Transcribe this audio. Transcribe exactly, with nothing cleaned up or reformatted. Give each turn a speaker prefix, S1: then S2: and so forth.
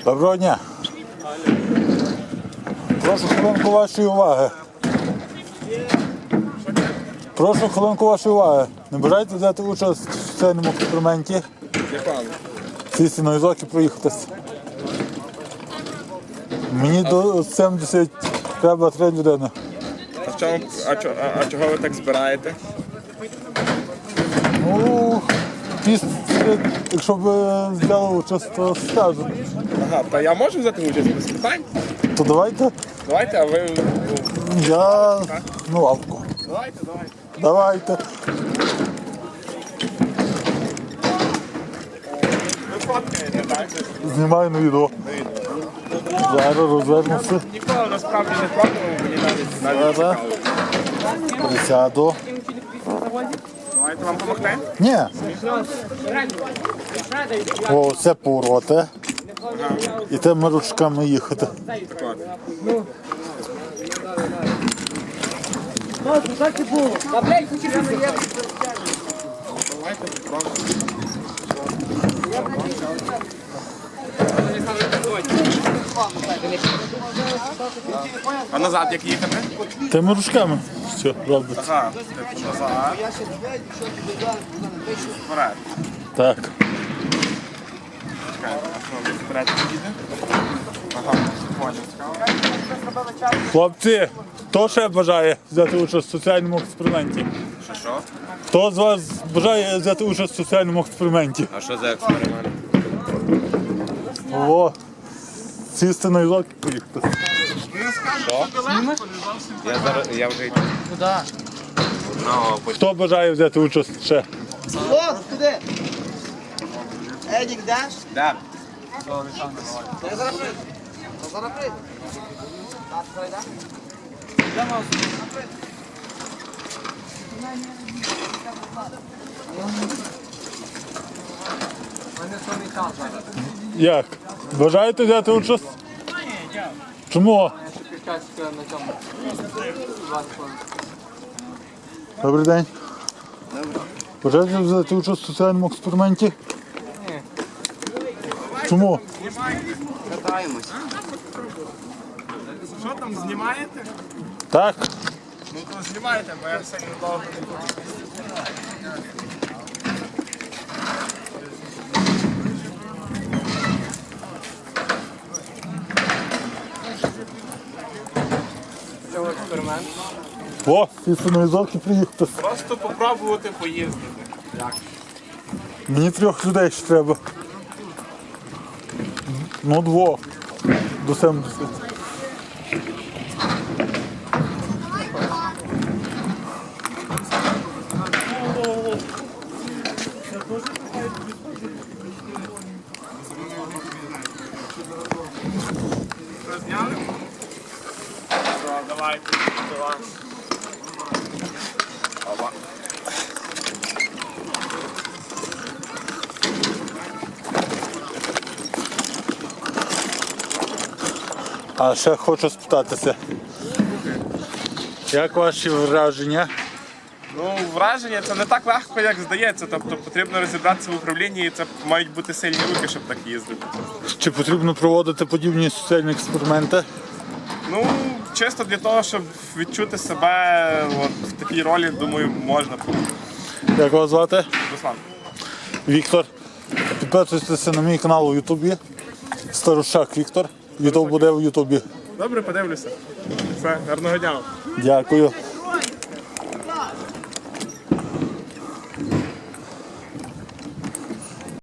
S1: Доброго дня. Прошу хвилинку вашої уваги. Прошу хвилинку вашої уваги. Не бажаєте взяти участь в соціальному експерименті? Сісти на візок і проїхатись. Мені до сімдесят треба три людини.
S2: А, в чому, а, чо- а, а чого ви так збираєте?
S1: Ну, після, якщо б взяли участь, то скажу.
S2: Ага, та я можу взяти участь без питань?
S1: То давайте.
S2: Давайте, а ви...
S1: Я на лавку.
S2: Давайте, давайте.
S1: Давайте.
S2: Ви фоткаєте, так?
S1: Знімаю на відео. Зараз розвернуся.
S2: Ніколи насправді не фоткав, мені навіть навіть
S1: Зараз.
S2: цікаво.
S1: Присяду.
S2: Давайте вам допомогти?
S1: Ні. О, це повороти. І тими ручками їхати.
S2: Так от. А назад як їхати?
S1: Тими ручками. Що робиться?
S2: Ага, типу назад. Вперед.
S1: Так.
S2: Чекайте, а що, вперед їде? Ага, понял.
S1: Хлопці, хто ще бажає взяти участь в соціальному експерименті?
S2: Що, що?
S1: Хто з вас бажає взяти участь в соціальному експерименті?
S2: А що за експеримент?
S1: О, сісти на візок і поїхати.
S2: Що? Я зараз, я вже йду.
S3: Куди?
S2: Ну,
S1: Хто бажає взяти участь ще?
S3: О, куди? Едік, даш?
S2: да.
S3: Я зараз прийду. Я зараз прийду. Так, зараз йде? Йдемо.
S1: Як? Бажаєте взяти участь? Чому? Добрий день. Бажаєте взяти участь в соціальному експерименті? Ні. Чому?
S3: Катаємось.
S2: Що там, знімаєте?
S1: Так.
S2: Ну то знімайте, бо я сьогодні довго не буду.
S3: Це експеримент.
S1: О, сісти на візок і приїхати.
S2: Просто попробувати поїздити.
S1: Мені трьох людей ще треба. Ну, двох. До сімдесят.
S2: Розняли? Що, давайте, до вас. Опа.
S1: А ще хочу спитатися. Як ваші враження?
S2: Ну, враження це не так легко, як здається. Тобто потрібно розібратися в управлінні і це мають бути сильні руки, щоб так їздити.
S1: Чи потрібно проводити подібні соціальні експерименти?
S2: Ну, чисто для того, щоб відчути себе от, в такій ролі, думаю, можна.
S1: Як вас звати?
S2: Руслан.
S1: Віктор. Підписуйтеся на мій канал у Ютубі. Старощак Віктор. Відео буде в Ютубі.
S2: Добре, подивлюся. Все, гарного дня.
S1: Дякую.